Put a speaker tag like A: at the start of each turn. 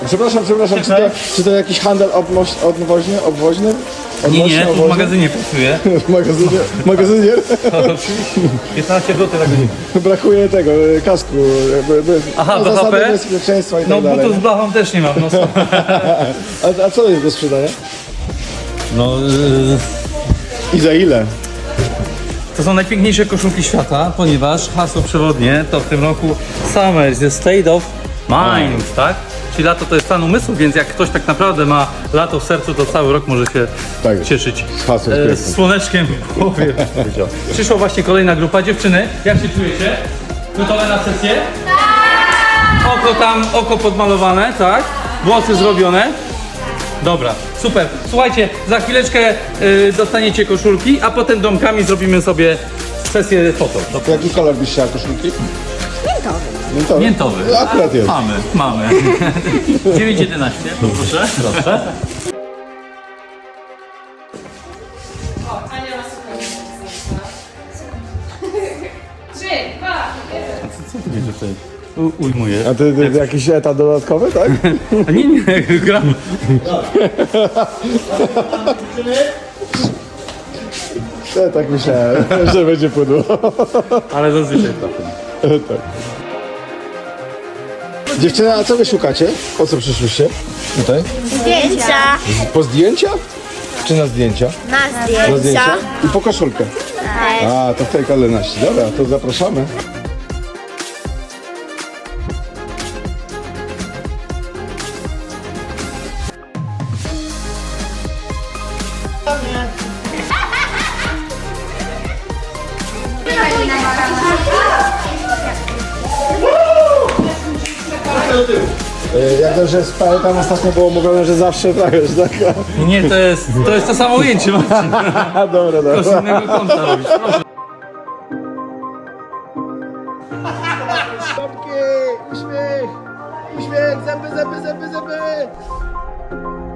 A: Przepraszam, czy to jakiś handel obwoźny?
B: Nie, tu w magazynie pracuję.
A: W magazynie?
B: Oczywiście. 15 zł na godzinę.
A: Brakuje tego, kasku.
B: Aha,
A: zasady
B: BHP?
A: bezpieczeństwa i tak
B: No
A: dalej.
B: butów z blachą też nie mam. No,
A: A co jest do sprzedania?
B: no
A: I za ile?
B: to są najpiękniejsze koszulki świata, ponieważ hasło przewodnie to w tym roku Summer is the state of mind, tak? Czyli lato to jest stan umysłu, więc jak ktoś tak naprawdę ma lato w sercu, to cały rok może się
A: Tak jest.
B: cieszyć
A: Hasło jest piękne.
B: z słoneczkiem w głowie. Przyszła właśnie kolejna grupa. Dziewczyny, jak się czujecie? Gotowe na sesję? Tak! Oko podmalowane, tak? Włosy zrobione. Dobra, super. Słuchajcie, za chwileczkę dostaniecie koszulki, a potem domkami zrobimy sobie sesję foto.
A: To jaki kolor byś chciała koszulki? Miętowy.
B: Miętowy.
A: No, akurat jest.
B: Mamy. 9,11, proszę. Proszę. Co ty mnie tutaj ujmuje?
A: A ty jakiś etat dodatkowy, tak?
B: A nie, gram.
A: Ja tak myślałem, że będzie płynło.
B: Ale zazwyczaj trafię.
A: Tak. Dziewczyny, a co wy szukacie? Po co przyszłyście? Tutaj?
C: Zdjęcia.
A: Po zdjęcia? Czy na zdjęcia?
C: Na
A: Na
C: zdjęcia.
A: zdjęcia? I po koszulkę. A, to w tej kolejności. Dobra, to zapraszamy. Jak dobrze pamiętam, ostatnio było mówione, że zawsze tak, że tak.
B: Nie, to jest to samo ujęcie, Marcin.
A: A, dobra,
B: To z
A: dobra.
B: innego kąta robisz. Proszę.
A: Uśmiech, zęby.